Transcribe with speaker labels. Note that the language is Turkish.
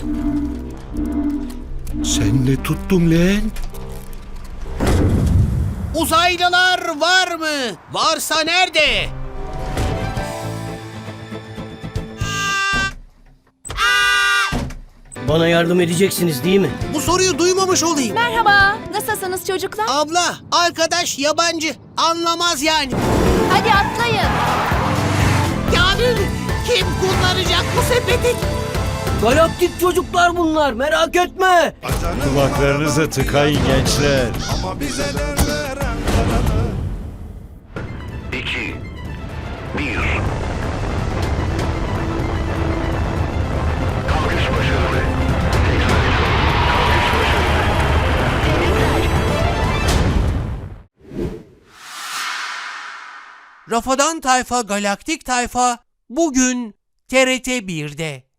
Speaker 1: Sen ne tuttun lan?
Speaker 2: Uzaylılar var mı? Varsa nerede?
Speaker 3: Bana yardım edeceksiniz değil mi?
Speaker 2: Bu soruyu duymamış olayım.
Speaker 4: Merhaba, nasılsınız çocuklar?
Speaker 2: Abla, arkadaş yabancı. Anlamaz yani.
Speaker 4: Hadi atlayın.
Speaker 2: Kamil, kim kullanacak bu sepeti?
Speaker 3: Galaktik çocuklar bunlar, merak etme.
Speaker 1: Kulaklarınızı tıkayın gençler.
Speaker 5: 2 1 Kalkış başarılı. Kalkış başarılı.
Speaker 2: Rafadan Tayfa Galaktik Tayfa bugün TRT 1'de.